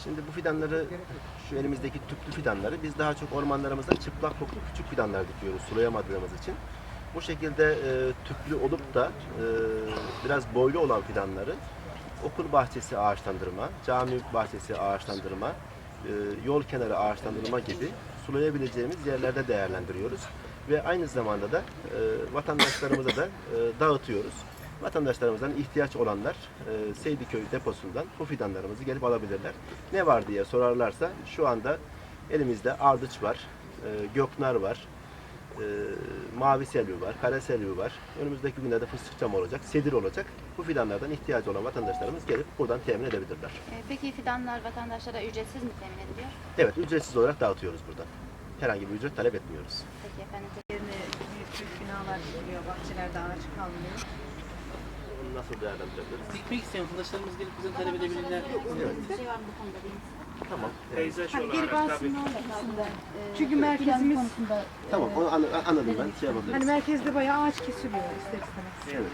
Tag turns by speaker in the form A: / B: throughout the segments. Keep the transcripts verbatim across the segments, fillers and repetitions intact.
A: Şimdi bu fidanları, şu elimizdeki tüplü fidanları biz daha çok ormanlarımızda çıplak koklu küçük fidanlar dikiyoruz sulayamadığımız için. Bu şekilde e, tüplü olup da e, biraz boylu olan fidanları okul bahçesi ağaçlandırma, cami bahçesi ağaçlandırma, e, yol kenarı ağaçlandırma gibi sulayabileceğimiz yerlerde değerlendiriyoruz. Ve aynı zamanda da e, vatandaşlarımıza da e, dağıtıyoruz. Vatandaşlarımızdan ihtiyaç olanlar e, Seydiköy deposundan bu fidanlarımızı gelip alabilirler. Ne var diye sorarlarsa şu anda elimizde ardıç var, e, göknar var, e, mavi selvi var, kara selvi var. Önümüzdeki günlerde fıstık çamı olacak, sedir olacak. Bu fidanlardan ihtiyacı olan vatandaşlarımız gelip buradan temin edebilirler.
B: E, Peki fidanlar vatandaşlara ücretsiz mi temin ediliyor?
A: Evet, ücretsiz olarak dağıtıyoruz buradan. Herhangi bir ücret talep etmiyoruz.
B: Peki efendim.
C: Yerine büyük büyük binalar dikiliyor, bahçelerde ağaç kalmıyor.
A: Bunu nasıl değerlendirebiliriz?
D: Dikmek isteyen arkadaşlarımız gelip bizden talep edebilirler.
A: Evet.
B: Bir şey var mı bu konuda değil mi?
A: Tamam.
E: Peyzaj
C: Hani geri
E: olarak tabii.
C: basın
B: Aslında, e,
C: Çünkü
B: plan
C: merkezimiz-
B: konusunda
A: Tamam, onu an- anladım ben. Şey yapabiliriz.
C: hani merkezde bayağı ağaç kesiliyor ister istemez.
A: Evet.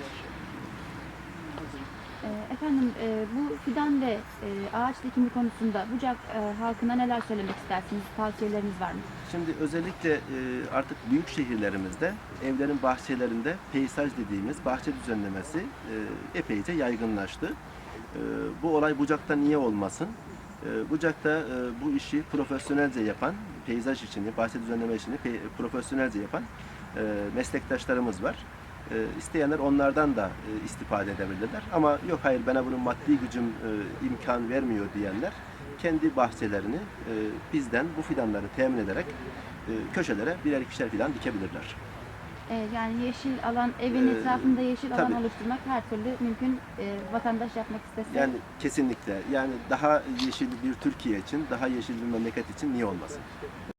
B: E, Efendim e, bu fidan ve e, ağaç dikimi konusunda Bucak e, halkına neler söylemek istersiniz? Tavsiyeleriniz var mı?
A: Şimdi özellikle e, artık büyük şehirlerimizde evlerin bahçelerinde peyzaj dediğimiz bahçe düzenlemesi e, epeyce yaygınlaştı. E, bu olay Bucak'ta niye olmasın? E, Bucak'ta e, bu işi profesyonelce yapan, peyzaj işini, bahçe düzenleme işini pe- profesyonelce yapan e, meslektaşlarımız var. E, isteyenler onlardan da e, istifade edebilirler. Ama yok hayır bana bunun maddi gücüm e, imkan vermiyor diyenler kendi bahçelerini e, bizden bu fidanları temin ederek e, köşelere birer ikişer fidan dikebilirler.
B: E, yani yeşil alan, evin
A: Ee,
B: etrafında yeşil alan
A: tabii.
B: oluşturmak her türlü mümkün. E, vatandaş yapmak istese.
A: Yani kesinlikle yani daha yeşil bir Türkiye için, daha yeşil bir memleket için niye olmasın?